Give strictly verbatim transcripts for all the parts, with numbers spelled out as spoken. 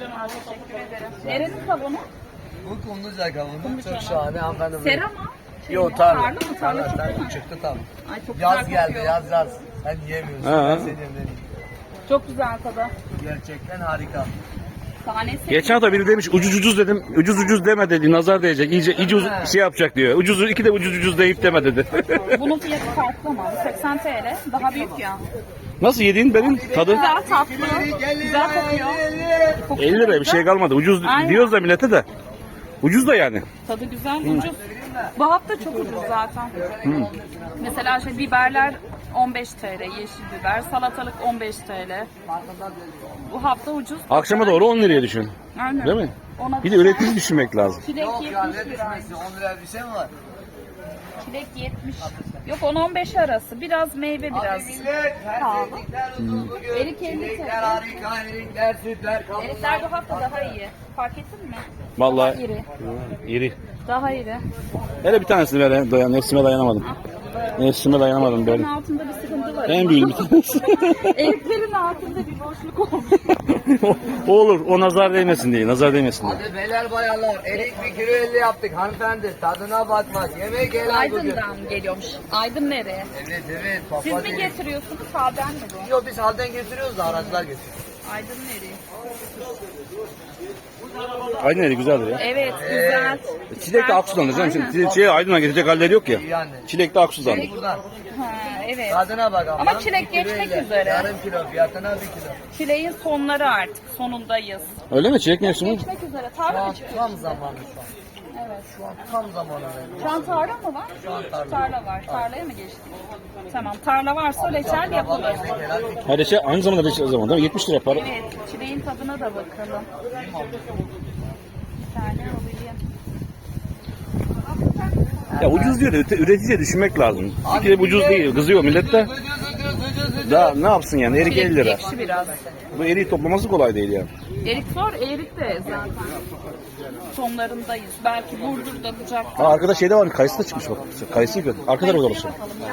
Canım teşekkür ederim. Nerenin kavunu? Bu Kumluca kavunu. Kumluca. Çok şahane hanımefendi. Sera mı? Şey Yok mi? tarla. Tarla mı? Tarla çıktı Tarla mı? çıktı tam. Ay çok Yaz güzel geldi kokuyor. yaz yaz. Sen yiyemiyorsun. Ha. Ben seni yemedim. Çok güzel tadı. Gerçekten harika. Tanesi. Geçen hafta biri demiş ucuz ucuz dedim. Ucuz ucuz deme dedi. Nazar değecek. İyice, iyice uz- şey yapacak diyor. Ucuz iki de ucuz ucuz deyip deme dedi. Bunun fiyatı farklı ama. seksen T L. Daha büyük ya. Nasıl yediğin benim tadı? Güzel tatlı. Güzel kokuyor. Kokusu elli lira bir şey kalmadı. Ucuz Aynen. diyoruz da millete de. Ucuz da yani. Tadı güzel, ucuz. Bu hafta çok ucuz zaten. Mesela şey biberler on beş T L, yeşil biber, salatalık on beş T L. Bu hafta ucuz. Akşama doğru on liraya düşün. Aynen. Değil mi? Ona Bir de üretici düşünmek lazım. Çilek Yok ya yetmiş ne lira. düşmesi? on lira bir şey mi var? Çilek yetmiş. Yok on on beş arası. Biraz meyve biraz. Millet her Pahalı. sevdikler uzun bugün. Erik elli Çilekler TL. harika, erikler, sütler, kabuklar. Erikler bu hafta daha iyi. Fark ettin mi? Vallahi Daha iri. iri. Daha iri. Hele bir tanesini ver. Dayan, nefsime dayanamadım. Nefsime dayanamadım böyle. Eriklerin altında bir sıkıntı var. En büyük bir tanesi. Eriklerin altında bir boşluk olmuş. o olur. O nazar değmesin diye. Nazar değmesin diye. Hadi beyler bayanlar, erik bir kilo elli yaptık hanımefendi. Tadına bakmaz. Yemek helal bugün. Aydın'dan geliyormuş. Aydın nereye? Evet evet. Papa Siz mi değil. getiriyorsunuz? Halden mi bu? Yok biz halden getiriyoruz da araçlar getiriyor. Aydın nereye? Aydın eli güzeldir ya. Evet, güzel. Çilek de Aksu'dan canım. Aynen. Şimdi şey Aydın'a gidecek halleri yok ya. İyi yani. Çilek de Aksu'dan. Buradan. Ha, evet. Tadına bak Ama ablam. çilek Bir kilo geçmek elli. üzere. Yarım kilo fiyatına bir kilo. Çileğin sonları artık. Sonundayız. Öyle mi? Çilek mevsimi? Geçmek üzere. Şu Tarla an mı çıkıyor? tam zamanı şu an. Evet. Şu an tam zamanı. Şu an tarla mı var? Şu an tarla. Tarla var. Tarlaya mı geçtik? Tamam. Tarla varsa reçel yapılır. Ha reçel aynı zamanda reçel zaman değil mi? yetmiş lira para. Evet. Çileğin tadına da bakalım. Bir tane alayım. Ya ucuz diyor da üte- üreticiye düşünmek lazım. Bir kere ucuz değil. Kızıyor millet de. Daha ne yapsın yani? Erik elli Çilek lira. ekşi biraz. Bu eriği toplaması kolay değil ya. Erik zor. Erik de zaten. Sonlarındayız. Belki Burdur'da Bucak'ta. Ha arkada şeyde var. Kayısı da çıkmış bak. Kayısı yok. Arka tarafa doğrusu.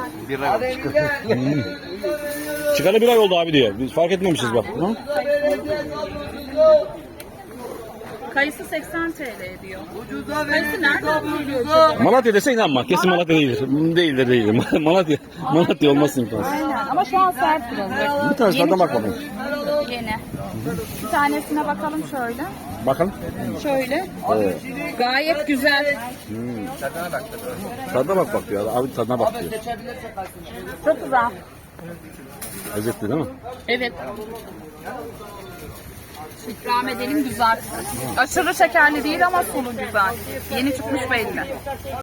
Çıkalı bir ay oldu abi diyor. Biz fark etmemişiz bak. Hı? Kayısı seksen T L diyor. Ucuza Kayısı nereden geliyor acaba? Malatya dese inanma. Kesin Malatya değildir. Değildir değildir. Malatya. Malatya olmasın imkansız. Aynen ama şu an sert biraz. Bir tanesi Yeni tadına bak bakalım. Yeni. Bir tanesine bakalım şöyle. Bakalım. Şöyle. Evet. Gayet güzel. Tadına bak bak diyor. Abi tadına bak diyor. Çok güzel. Lezzetli değil mi? Evet. İkram edelim güzel. Aşırı şekerli değil ama sulu güzel. Yeni çıkmış belli.